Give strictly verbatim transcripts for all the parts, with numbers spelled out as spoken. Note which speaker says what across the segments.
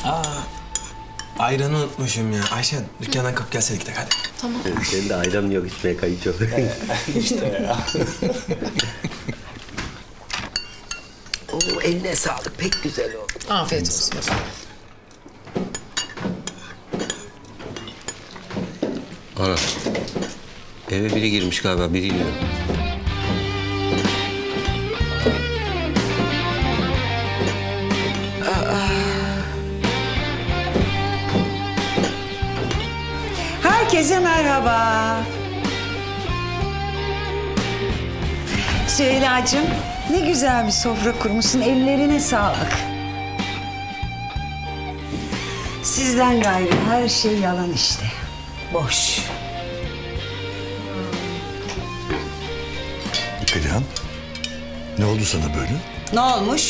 Speaker 1: Aa, ayranı unutmuşum ya. Ayşe dükkandan kalk gelseydik de hadi.
Speaker 2: Tamam.
Speaker 3: Senin de ayran yok içmeye kayıt yok.
Speaker 1: İşte ya.
Speaker 4: Oo, eline sağlık. Pek güzel oldu.
Speaker 2: Afiyet olsun.
Speaker 3: Ana. Eve biri girmiş galiba, biri iniyor.
Speaker 5: Herkese merhaba. Süheyla'cığım, ne güzel bir sofra kurmuşsun. Ellerine sağlık. Sizden gayrı her şey yalan işte. Boş.
Speaker 6: Perihan, ne oldu sana böyle?
Speaker 5: Ne olmuş?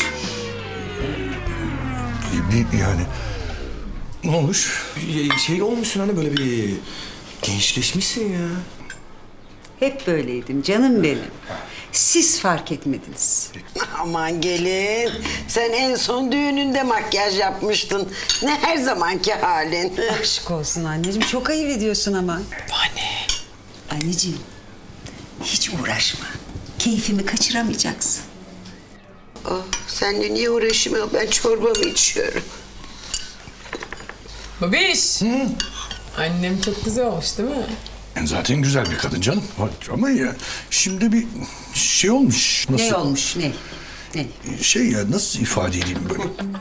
Speaker 6: Bir, yani ne olmuş?
Speaker 1: Ya, Şey olmuşsun hani böyle bir gençleşmişsin ya.
Speaker 5: Hep böyleydim canım benim. Siz fark etmediniz.
Speaker 4: Aman gelin. Sen en son düğününde makyaj yapmıştın. Ne her zamanki halin.
Speaker 5: Aşk olsun anneciğim. Çok ayıp ediyorsun ama.
Speaker 1: Anne.
Speaker 5: Anneciğim, hiç uğraşma. Keyfimi kaçıramayacaksın.
Speaker 4: Oh, seninle niye uğraşayım? Ben çorbamı içiyorum.
Speaker 2: Babiş. Annem çok güzel olmuş değil mi?
Speaker 6: Yani zaten güzel bir kadın canım. Ama ya şimdi bir şey olmuş. Nasıl?
Speaker 5: Ne olmuş, ne? Ne?
Speaker 6: Şey ya, nasıl ifade edeyim böyle?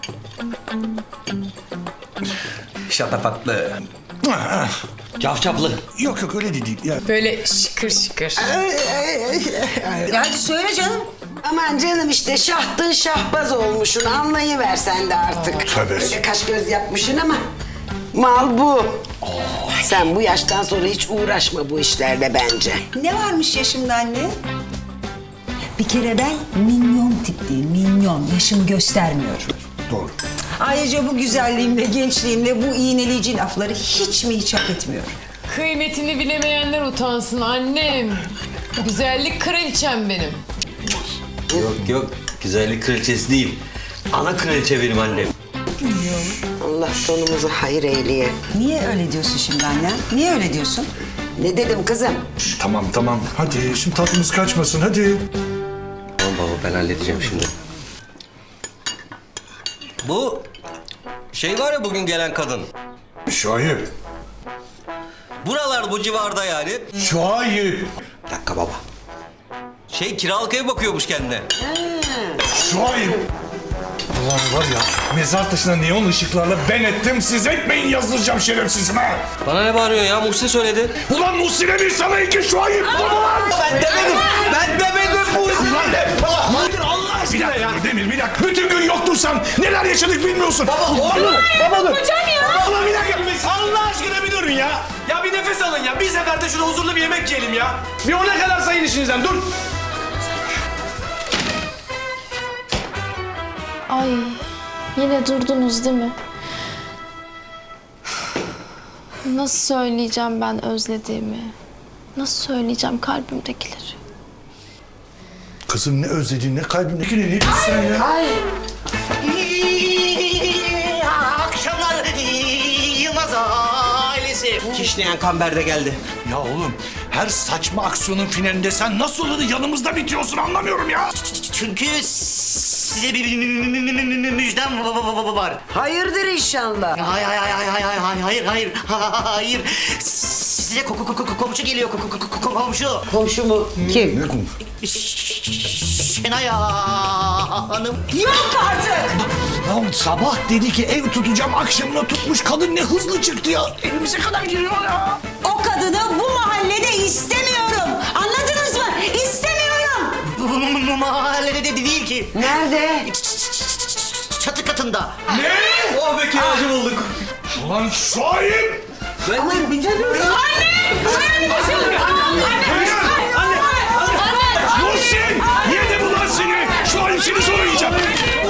Speaker 1: Şatafatlı.
Speaker 6: Ah,
Speaker 3: Cafcaflı.
Speaker 6: yok yok öyle de değil. Ya,
Speaker 2: Böyle şıkır şıkır.
Speaker 5: Ya hadi söyle canım.
Speaker 4: Aman canım işte şahtın şahbaz olmuşsun. Anlayıver sen de artık.
Speaker 6: Tövbe.
Speaker 4: Öyle kaş göz yapmışsın ama mal bu. Sen bu yaştan sonra hiç uğraşma bu işlerle bence.
Speaker 5: Ne varmış yaşımda anne? Bir kere ben minyon tipliyim, minyon. Yaşımı göstermiyorum.
Speaker 6: doğru.
Speaker 5: Ayrıca bu güzelliğimle, gençliğimle bu iğneleyici lafları hiç mi hiç hak etmiyorum?
Speaker 2: Kıymetini bilemeyenler utansın annem. Güzellik kraliçem benim.
Speaker 3: Yok yok, güzellik kraliçesi değil. Ana kraliçe benim annem.
Speaker 4: Allah sonumuzu hayır eyleye.
Speaker 5: Niye öyle diyorsun şimdi anne? Niye öyle diyorsun?
Speaker 4: Ne dedim kızım?
Speaker 6: Tamam tamam. Hadi şimdi tatlımız kaçmasın hadi.
Speaker 3: Tamam baba, ben halledeceğim şimdi. Bu şey var ya, bugün gelen kadın.
Speaker 6: Şahip.
Speaker 3: Buralar, bu civarda yani.
Speaker 6: Şahip.
Speaker 3: Bir dakika baba. Şey, kiralık ev bakıyormuş kendine.
Speaker 6: Şahip. Allah var ya, mezar taşına neon ışıklarla ben ettim, siz etmeyin yazdıracağım şerefsizime.
Speaker 3: Bana ne bağırıyorsun ya? Muhsin söyledi.
Speaker 6: Ulan Muhsin'e bir sana iki Şahip. Ulan.
Speaker 3: Ben demedim. Ben demedim Muhsin.
Speaker 6: Hayır Allah aşkına ya. Demir bir dakika. Bütün gün yoktun sen. Neler yaşadık bilmiyorsun. Baba oğlum. Baba dur.
Speaker 2: Hocam ya.
Speaker 6: Baba bir dakika. Allah aşkına bir durun ya.
Speaker 1: Ya bir nefes alın ya. Bir seferde şurada huzurlu bir yemek yiyelim ya. Bir ona kadar sayın işinizden. Dur.
Speaker 7: Ay, yine durdunuz değil mi? Nasıl söyleyeceğim ben özlediğimi? Nasıl söyleyeceğim kalbimdekileri?
Speaker 6: Kızım ne özlediğin, ne kalbindeki ne diyorsun sen ya?
Speaker 8: Akşamlar Yılmaz ailesi.
Speaker 3: Kişneyen kamber de geldi.
Speaker 6: Ya oğlum her saçma aksiyonun finalinde sen nasıl olur da yanımızda bitiyorsun anlamıyorum ya.
Speaker 8: Çünkü size bir müjdem var.
Speaker 4: Hayırdır inşallah.
Speaker 8: Hayır, hayır, hayır, hayır, hayır, hayır, hayır. Size ko- ko- ko- komşu geliyor, ko- ko- ko- komşu.
Speaker 4: Komşu mu? Kim?
Speaker 6: Ne konu?
Speaker 8: Şenay Hanım.
Speaker 5: Yok artık!
Speaker 6: Ya sabah dedi ki ev tutacağım, akşamına tutmuş, kadın ne hızlı çıktı ya. Evimize kadar giriyor ya.
Speaker 5: O kadını bu mahallede istemiyorum. Anladınız mı? İstemiyorum.
Speaker 8: Bu mahallede de değil ki.
Speaker 4: Nerede?
Speaker 8: Çatı katında.
Speaker 6: Ne?
Speaker 3: Oh be, kiracı bulduk.
Speaker 6: Ulan Şahip!
Speaker 5: Aman bir dur.
Speaker 6: Muhsin! Yedi bu lan seni! Şahip seni sonra yiyeceğim.